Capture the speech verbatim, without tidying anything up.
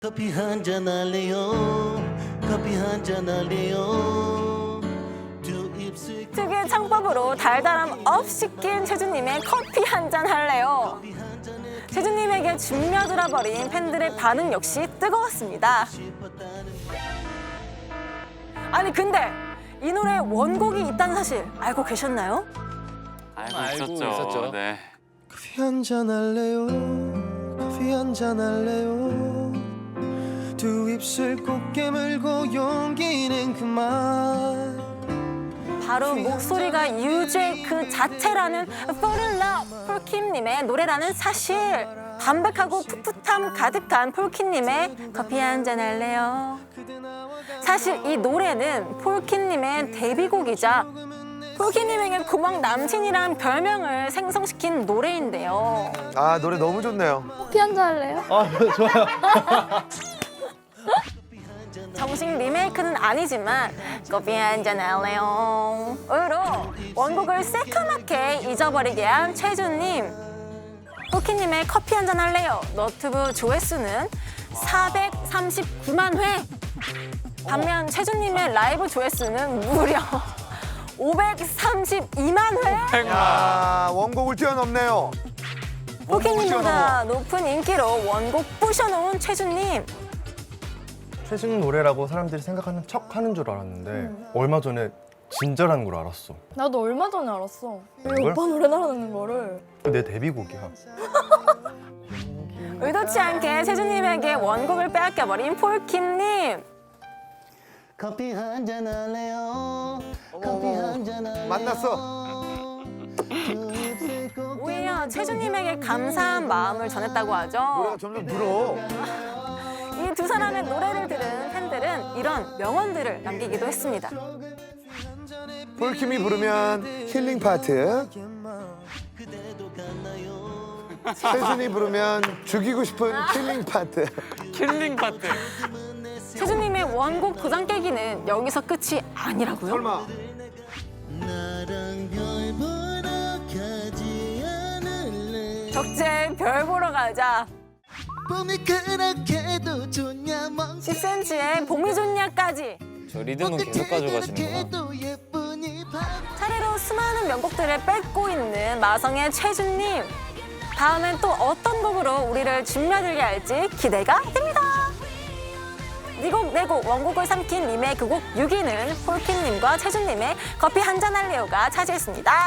커피 한잔 할래요. 커피 한잔 할래요. 두 입술 특유의 창법으로 달달함 업 시킨 최준님의 커피 한잔 할래요. 최준님에게 준며들어 버린 팬들의 반응 역시 뜨거웠습니다. 아니 근데 이 노래에 원곡이 있다는 사실 알고 계셨나요? 알고, 알고 있었죠. 있었죠. 네. 커피 한잔 할래요. 커피 한잔 할래요. 두 입술 꼭 깨물고 용기는 그만. 바로 목소리가 유죄 그 자체라는 Fall in Love 폴킴님의 노래라는 사실. 담백하고 풋풋함 가득한 폴킴님의 커피 한잔 할래요. 사실 이 노래는 폴킴님의 데뷔곡이자 폴킴님에게 고막 남친이란 별명을 생성시킨 노래인데요. 아 노래 너무 좋네요. 커피 한잔 할래요? 아, 좋아요. 정식 리메이크는 아니지만 커피 한잔 할래요 으로 원곡을 새카맣게 잊어버리게 한 최준님. 폴킴님의 커피 한잔 할래요 너튜브 조회수는 사백삼십구만 회. 반면 최준님의 라이브 조회수는 무려 오백삼십이만 회. 야 원곡을 뛰어넘네요. 폴킴님보다 높은 인기로 원곡 부셔놓은 최준님. 최준 노래라고 사람들이 생각하는 척 하는 줄 알았는데 얼마 전에 진짜라는 걸 알았어. 나도 얼마 전에 알았어. 왜 뭘? 오빠 노래 나라는 거를. 내 데뷔곡이야. 의도치 않게 최준님에게 원곡을 빼앗겨버린 폴킴님. 커피 한잔 할래요. 커피 한잔 할래요. 만났어. 두 입술 꼭 오히려 최준님에게 감사한 마음을 전했다고 하죠. 노래가 점점 늘어. 이 두 사람의 노래를 들은 팬들은 이런 명언들을 남기기도 했습니다. 폴킴이 부르면 힐링 파트. 최준이 부르면 죽이고 싶은 킬링 파트. 킬링 파트. 최준님의 원곡 도장 깨기는 여기서 끝이 아니라고요? 설마. 나랑 별 보러 가지 않을래. 적재 별 보러 가자. 봄이 그렇게도 좋냐 멍. 십 센티미터의 봄이 좋냐까지 저 리듬은 계속 가져가시는구나. 그렇게도 예쁘니 밤. 차례로 수많은 명곡들을 뺏고 있는 마성의 최준님. 다음엔 또 어떤 곡으로 우리를 준며들게 할지 기대가 됩니다. 네곡 네곡 원곡을 삼킨 리메이크 곡 육 위는 폴킴님과 최준님의 커피 한잔 할래요가 차지했습니다.